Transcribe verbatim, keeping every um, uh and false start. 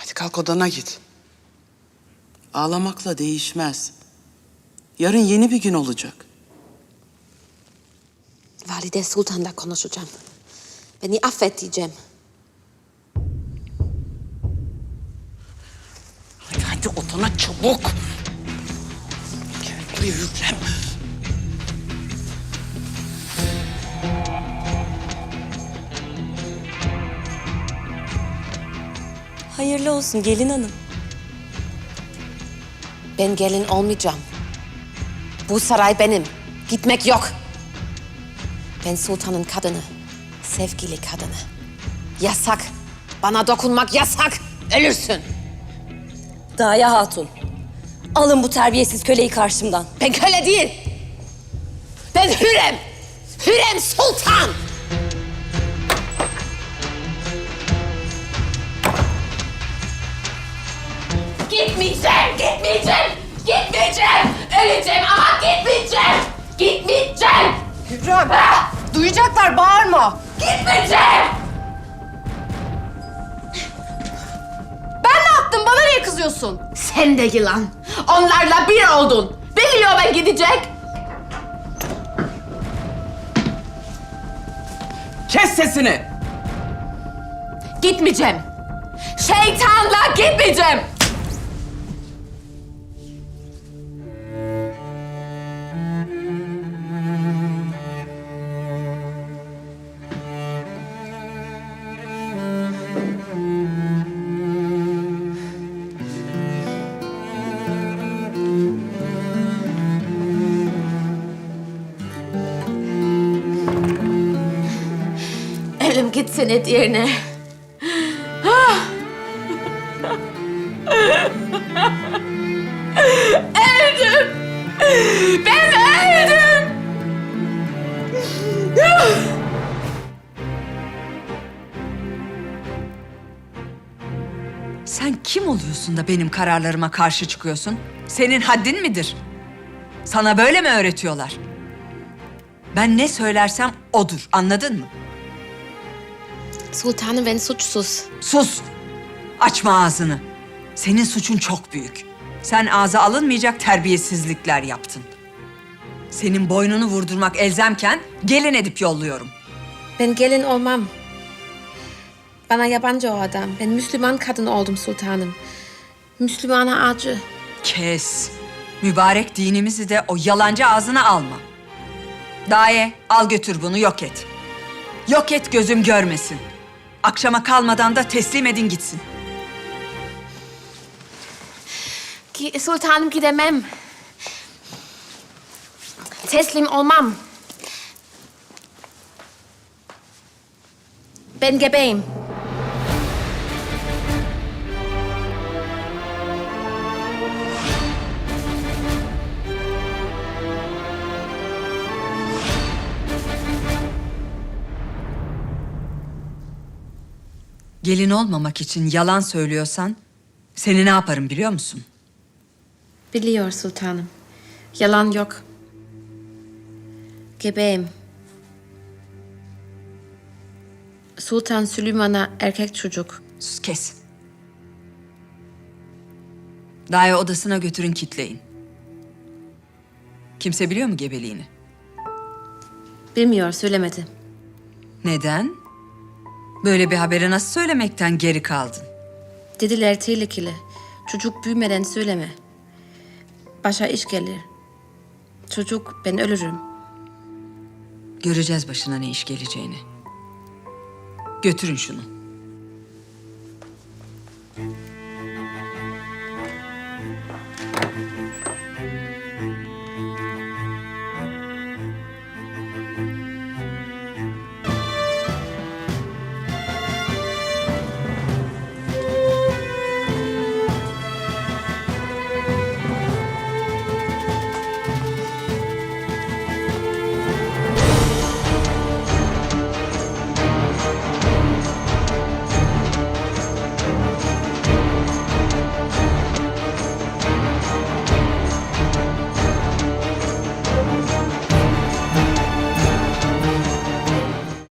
Hadi kalk odana git. Ağlamakla değişmez. Yarın yeni bir gün olacak. Valide Sultan'la konuşacağım. Beni affet diyeceğim. Hadi hadi odana çabuk. Gel buraya Hürrem. Hayırlı olsun gelin hanım. Ben gelin olmayacağım. Bu saray benim. Gitmek yok. Ben sultanın kadını. Sevgili kadını. Yasak. Bana dokunmak yasak. Ölürsün. Daya Hatun. Alın bu terbiyesiz köleyi karşımdan. Ben köle değil. Ben Hürrem. Hürrem Sultan. Gitmeyeceğim, gitmeyeceğim, gitmeyeceğim. Öleceğim ama gitmeyeceğim. Gitmeyeceğim. Hürrem, duyacaklar, bağırma. Gitmeyeceğim. Ben ne yaptım? Bana niye kızıyorsun? Sen de yılan. Onlarla bir oldun. Biliyor ben gidecek. Kes sesini. Gitmeyeceğim. Şeytanla gitmeyeceğim. Ölüm gitsin et yerine. Öldüm. Ben öldüm. Sen kim oluyorsun da benim kararlarıma karşı çıkıyorsun? Senin haddin midir? Sana böyle mi öğretiyorlar? Ben ne söylersem odur, anladın mı? Sultanım ben suçsuz. Sus! Açma ağzını. Senin suçun çok büyük. Sen ağza alınmayacak terbiyesizlikler yaptın. Senin boynunu vurdurmak elzemken gelin edip yolluyorum. Ben gelin olmam. Bana yabancı o adam. Ben Müslüman kadın oldum sultanım. Müslümana acı. Kes. Mübarek dinimizi de o yalancı ağzına alma. Daye, al götür bunu, yok et. Yok et, gözüm görmesin. Akşama kalmadan da teslim edin gitsin. Ki, sultanım gidemem. Teslim olmam. Ben gebeyim. Gelin olmamak için yalan söylüyorsan seni ne yaparım biliyor musun? Biliyor sultanım. Yalan yok. Gebeyim. Sultan Süleyman'a erkek çocuk. Sus, kes. Daye odasına götürün, kitleyin. Kimse biliyor mu gebeliğini? Bilmiyor, söylemedi. Neden? Böyle bir haberi nasıl söylemekten geri kaldın? Dediler tehlikeli. Çocuk büyümeden söyleme. Başa iş gelir. Çocuk ben ölürüm. Göreceğiz başına ne iş geleceğini. Götürün şunu.